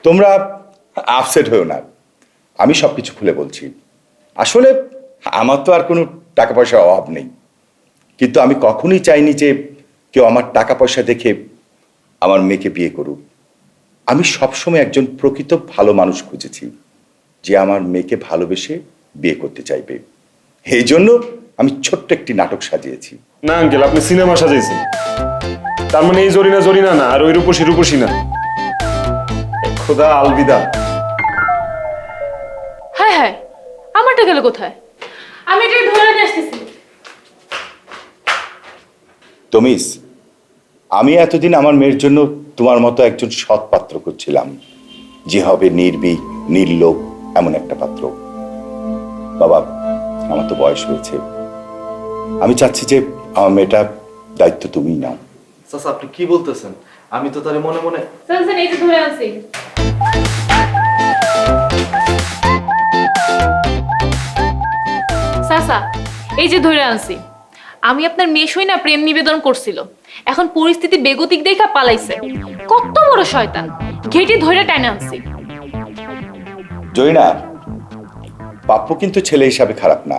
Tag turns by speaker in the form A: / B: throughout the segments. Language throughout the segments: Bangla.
A: তোমরা আপসেট হয়েও না, আমি সব কিছু খুলে বলছি। আসলে আমার তো আর কোনো টাকা পয়সার অভাব নেই, কিন্তু আমি কখনোই চাইনি যে কেউ আমার টাকা পয়সা দেখে আমার মেয়েকে বিয়ে করুক। আমি সবসময় একজন প্রকৃত ভালো মানুষ খুঁজেছি, যে আমার মেয়েকে ভালোবেসে বিয়ে করতে চাইবে। এই জন্য আমি ছোট্ট একটি নাটক সাজিয়েছি।
B: না আঙ্কেল, আপনি সিনেমা সাজাইছেন। তার মানে এই জরিনা জরিনা না, আর ওই রূপসী রূপসী না। খোদা আলবিদা।
C: হ্যাঁ হ্যাঁ, আমারটা গেল কোথায়? আমি এটাকে ধরে নিয়ে আসতেছি।
A: তমিস, আমি এতদিন আমার মেয়ের জন্য তোমার মতো একজন সৎ পাত্র করছিলাম, যে হবে নির্ভীক নির্লোভ এমন একটা পাত্র। বাবা, আমার তো বয়স হয়েছে, আমি চাচ্ছি যে আমার মেয়েটার দায়িত্ব তুমিই নাও।
D: চাচা আপনি কি বলতেছেন? আমি তো তারে মনে মনে
C: চলছেন, এই যে ধরে আনছি। চাচা, এই যে ধরে আনছি। আমি আপনার মেয়ে না প্রেম নিবেদন করছিল, এখন পরিস্থিতি বেগতিক দেখা পালাইছে। কত বড় শয়তান, ঘেটি ধরে টাইনা আনছি।
A: জয়না, পাপ্পু কিন্তু ছেলে হিসাবে খারাপ না।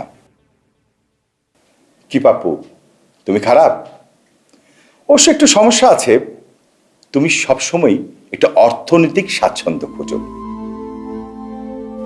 A: কি পাপ্পু, তুমি খারাপ? অবশ্য একটু সমস্যা আছে, তুমি সবসময় একটা অর্থনৈতিক স্বাচ্ছন্দ্য খোঁজো।